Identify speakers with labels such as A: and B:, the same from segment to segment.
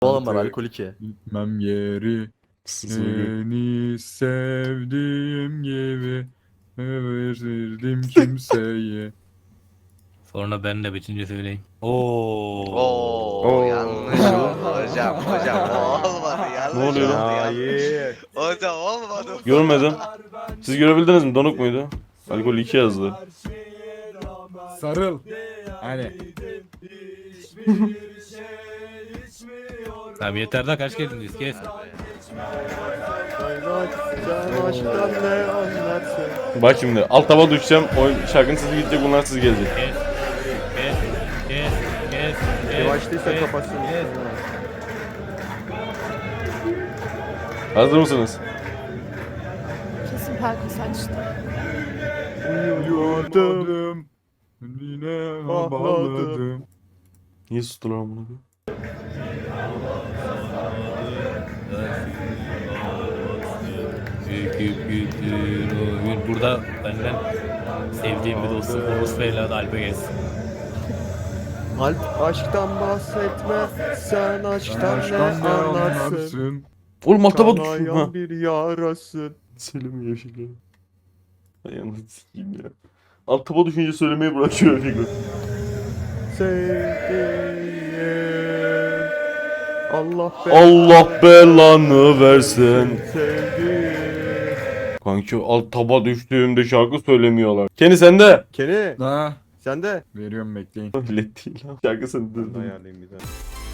A: Oğlum var alkol 2.
B: Gitmem yeri seni sevdiğim gibi verirdim kimseye.
C: Sonra ben de bitince söyleyeyim.
D: Oo, yanlış oldu hocam. Hocam o olmadı. Yanlış
E: Ne oluyor
D: oldu.
E: lan?
D: Yanlış. Hocam olmadı.
E: Görmedim. Siz görebildiniz mi? Donuk muydu? Alkol 2 yazdı.
B: Sarıl. Hani
C: Tamam yeter daha kaç geldiniz kes.
E: Bak şimdi alt taba düşeceğim. O şarkının sesi gidecek, bunlar siz gelecek.
C: Kes. Kes. Kes. Kes. Kes.
A: Yavaştıysa
C: kes,
A: kapatsın.
C: kes.
E: Hazır mısınız?
F: Kesin Pelkas açtı.
B: uyumadım. Yine bağladım.
E: Niye sustular amına koyayım?
C: Büyük büyüktür o gün. Burada benden sevdiğim bir dostum Oğuz Bey'le Alp'e gelsin.
A: Alp aşktan bahsetme. Sen aşktan ne
B: Aşktan ne
A: anlarsın?
B: anlarsın?
E: Oğlum alt taba düştüm ha.
A: Kanayan bir yarasın.
E: Söylemiyor şeker. Ay anasını sikeyim ya. Alt taba düşünce söylemeyi bırakıyor şeker.
A: Sevdiğim
E: Allah belanı versin.
A: Sevdiğim.
E: Kanki alt taba düştüğümde şarkı söylemiyorlar. Kendi sende.
A: Kenny
B: Ha,
A: sen de.
B: veriyorum bekleyin.
E: Millet değil lan. Şarkı sende.
A: Ayarlayayım bir daha.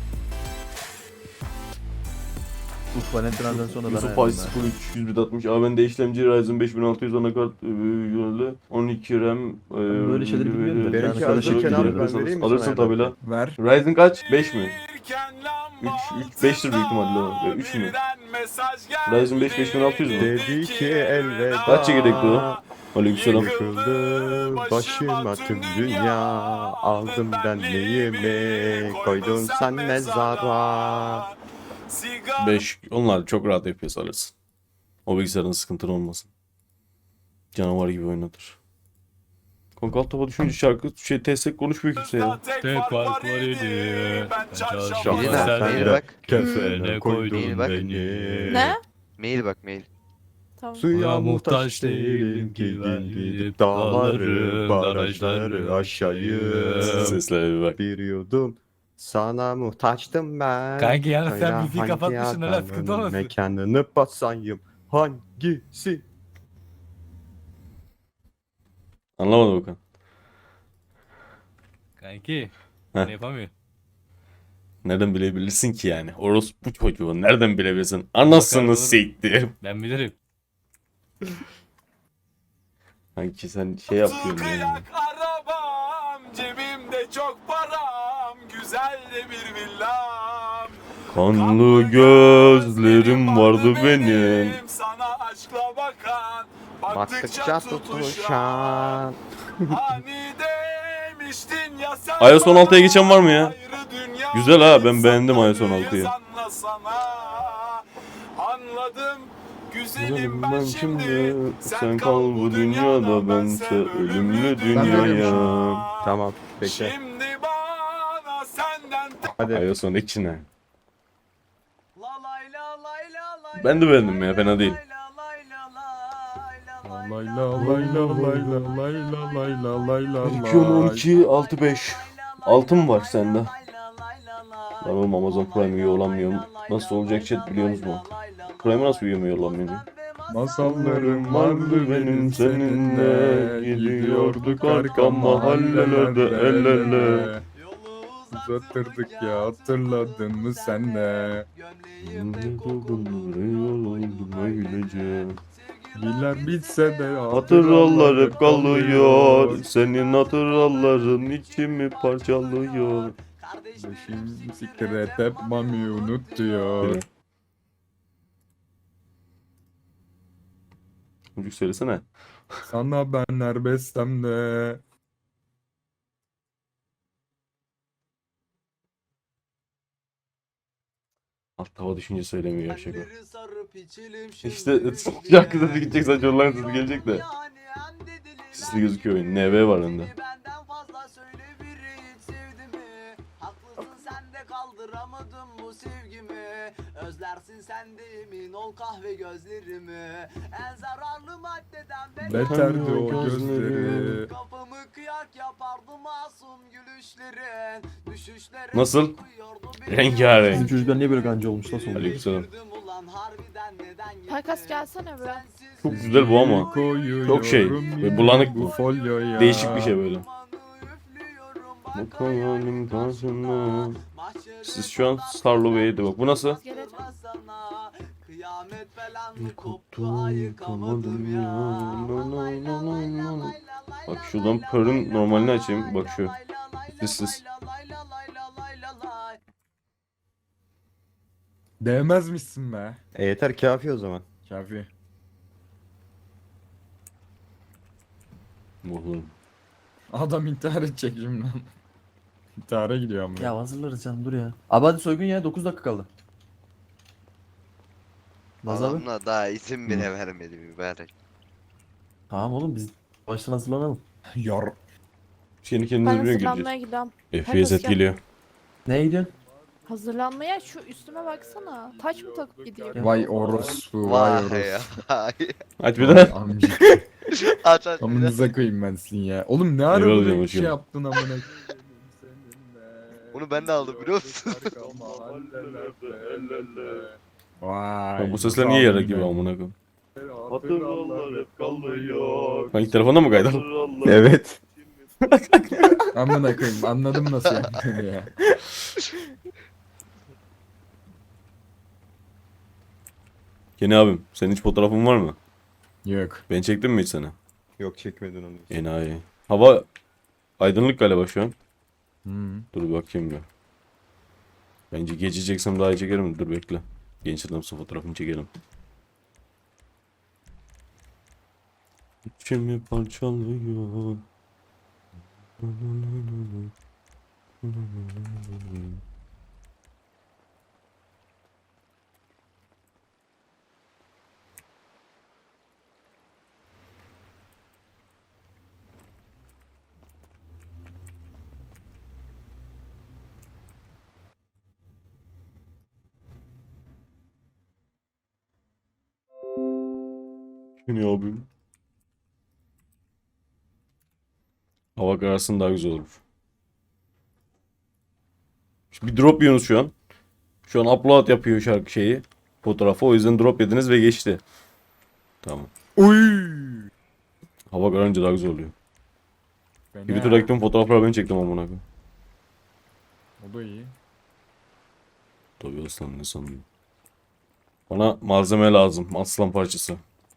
A: Uf Valentina'dan sonra ben
E: Yusuf
A: ayarlayayım.
E: Ay 03 160 AMD işlemci Ryzen 5600 anakart yönlü 12 RAM
A: böyle şeyleri bilmiyorum da. Benimki
E: sen
A: arkadaşı Kenan abi, ben
E: alırsın,
A: vereyim mi
E: alırsın
A: sana
E: tabi lan.
B: Ver.
E: Ryzen kaç? 5 mi? 3 5'tir büyük ihtimalle o. 3 mü? Ryzen 5 5600 mu?
A: Dedi ki elveda.
E: Kaç çekirdekli o? Aleykümselam.
A: Yıkıldı başıma tüm dünya. Aldım ben neyimi, koydun sen mezara.
E: 5. Onlar çok rahat FPS alırsın. O bilgisayarın sıkıntın olmasın. Canavar gibi oynatır. Kanka alt taba düşünce şarkı TS konuşmuyor kimse ya.
C: Tek fark var idi. Ben çalışmam.
D: Mail
A: Sen
D: bak. Mail
A: de
D: bak.
C: Kefene koydun
D: Mail bak.
C: beni.
F: Ne?
D: Mail bak mail.
F: Tamam.
A: Suya muhtaç değilim ki gidip dağları, barajları aşayım.
E: Seslere bir bak.
A: Bir yudum sana muhtaçtım ben.
C: Kanki yalnız sen
A: Söyle
C: müziği
A: hangi
C: kapatmışsın, öyle sıkıntı
A: adamın
C: olmasın?
A: mekanını basayım. Hangisi?
E: Anlamadım Okan.
C: Kanki.
E: Heh.
C: Ne yapamıyor?
E: Nereden bilebilirsin ki yani? Orospu çocuğu. Nereden bilebilirsin? Anasını
C: Bakarım.
E: siktir.
C: Ben bilirim.
E: Sanki sen şey yapıyorsun yani.
G: Arabam, cebimde çok param, güzel de bir villam.
E: Kanlı gözlerim vardı benim.
G: Sana aşkla bakan,
A: Baktıkça tutuşan.
G: Hani demiştin ya sen
E: iOS 16'ya geçen var mı ya?
G: ayrı dünya
E: Güzel ha, ben beğendim iOS 16'yı.
G: sana. Anladım güzelim ben şimdi.
E: Sen kal bu dünyada, bense ölümlü dünyaya.
A: Tamam bekle.
G: Şimdi bana senden
A: Hadi.
E: iOS 12 ne?
G: La lay la lay la lay
E: Ben de beğendim ya, fena değil.
B: Lay la lay la lay la lay la lay la lay la
E: 12 6.5. 6 mı var sende? Ben oğlum Amazon Prime üye olamıyorum. Nasıl olacak chat biliyorsunuz mu? Prime'e nasıl üye olamıyorum?
B: Masallarım vardı benim seninle. Gidiyorduk arka mahallelerde el ele. Uzatırdık ya, hatırladın mı sen de? Biler bitse de
E: Hatıralar hep kalıyor. Senin hatıraların içimi parçalıyor.
B: Şimdi siktir et hep mami unutuyor.
E: Çocuk söylesene.
B: Sana ben her bestemde.
E: Alt tava düşünce söylemiyor şaka. İşte şarkı sesi gidecek, sadece online sesi gelecek de. Sesli gözüküyor oyun. NV var önünde.
G: yaşamadım bu sevgimi. Özlersin sen de emin ol kahve gözlerimi. En zararlı maddeden
B: Beterdi o gözleri.
G: Kafamı kıyak yapardı masum gülüşlerin. Düşüşlerin
E: Nasıl?
G: kokuyordu beni.
E: Rengarenk.
A: Bizim çocuklar niye böyle gancı olmuş lan sonra?
E: Aleykümselam.
G: Üzüldüm ulan harbiden neden
F: Perkas
G: gittin?
F: gelsene be.
G: Sensiz
E: Çok güzel bu ama.
B: Koyuyorum
E: Çok şey, böyle bulanık bu.
B: folyoya.
E: Değişik bir şey böyle.
G: dumanı üflüyorum,
E: Bak
G: bak
E: hayalim karşımda.
G: Mahşeri
E: Siz şu an Starlo Bey'de bak. Bu nasıl?
F: Gelecek.
G: sana. Kıyamet falan mı koptu
E: Koptu,
G: ayıkamadım ya. Lay lay lay lay lay lay
E: Bak
G: lay
E: şuradan
G: lay
E: pörün
G: lay
E: normalini
G: lay
E: açayım.
G: lay
E: Bak şu.
G: lay lay
E: Sessiz.
G: lay lay lay lay lay lay.
B: Değmezmişsin be.
A: Yeter kafi o zaman.
B: Kafi.
E: Oğlum.
B: Adam intihar edecek şimdi. İntihara gidiyor ama.
H: Ya hazırlarız canım dur ya. Abi hadi soygun ya 9 dakika kaldı. Naz abi.
D: Adamla daha isim bile vermedi mübarek.
H: Tamam oğlum biz baştan hazırlanalım.
B: Yar.
E: Kendi
F: Ben
E: kendinize biliyor
F: hazırlanmaya
E: gireceğiz.
F: gidiyorum.
E: FPS
F: Herkes gel.
E: geliyor.
H: Neye gidiyorsun?
F: Hazırlanmaya şu üstüme baksana. Taç mı takıp gideyim?
B: Vay orospu. Vay
D: Vay
B: orospu.
D: ya.
E: Aç bir daha.
B: Amcık.
D: Aç aç bir de.
B: Amınıza koyayım ben sizin ya. Oğlum ne ara
E: Eyvallah
B: böyle bir
E: hocam.
B: şey yaptın amına.
D: Bunu ben de aldım biliyor musun?
B: Vay.
E: Ya bu sesler niye yarak gibi amına koyayım? Hangi telefona mı kaydın?
A: Evet.
B: Amına koyayım anladım nasıl yaptığını ya.
E: Yeni abim, senin hiç fotoğrafın var mı?
B: Yok.
E: Ben çektim mi hiç sana?
A: Yok çekmedin onu.
E: Enayi. Hava aydınlık galiba şu an.
B: Hmm.
E: Dur bir bakayım bir. Bence gece çeksem daha iyi çekerim. Dur bekle. Genç adamsa fotoğrafını çekelim. İçimi parçalıyor. Yeni abim. Hava kararsa daha güzel olur. Bir drop yiyorsunuz şu an. Şu an upload yapıyor şarkı şeyi. Fotoğrafı. O yüzden drop yediniz ve geçti. Tamam.
B: Uy.
E: Hava kararınca daha güzel oluyor.
B: Fena.
E: Twitter'da gittim fotoğrafları ben çektim amına koyayım.
B: O da iyi.
E: Tabii aslan ne sanıyorsun? Bana malzeme lazım. Aslan parçası.